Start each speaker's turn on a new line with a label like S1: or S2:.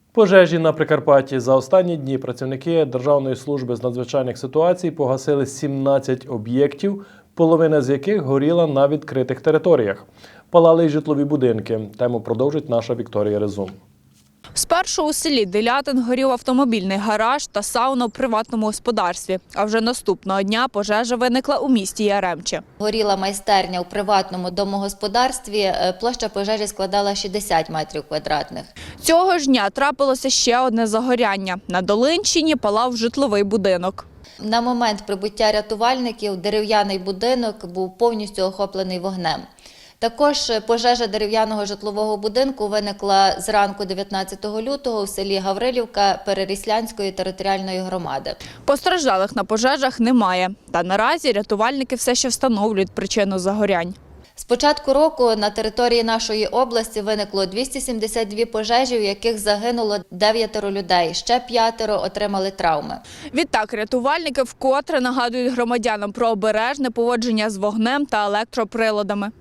S1: Пожежі на Прикарпатті. За останні дні працівники Державної служби з надзвичайних ситуацій погасили 17 об'єктів, половина з яких горіла на відкритих територіях. Палали й житлові будинки. Тему продовжить наша Вікторія Резун.
S2: Спершу у селі Делятин горів автомобільний гараж та сауна в приватному господарстві. А вже наступного дня пожежа виникла у місті Яремче.
S3: Горіла майстерня у приватному домогосподарстві. Площа пожежі складала 60 метрів квадратних.
S2: Цього ж дня трапилося ще одне загоряння. На Долинщині палав житловий будинок.
S3: На момент прибуття рятувальників дерев'яний будинок був повністю охоплений вогнем. Також пожежа дерев'яного житлового будинку виникла зранку 19 лютого у селі Гаврилівка Переріслянської територіальної громади.
S2: Постраждалих на пожежах немає. Та наразі рятувальники все ще встановлюють причину загорянь.
S3: З початку року на території нашої області виникло 272 пожежі, у яких загинуло 9 людей, ще 5 отримали травми.
S2: Відтак рятувальники вкотре нагадують громадянам про обережне поводження з вогнем та електроприладами.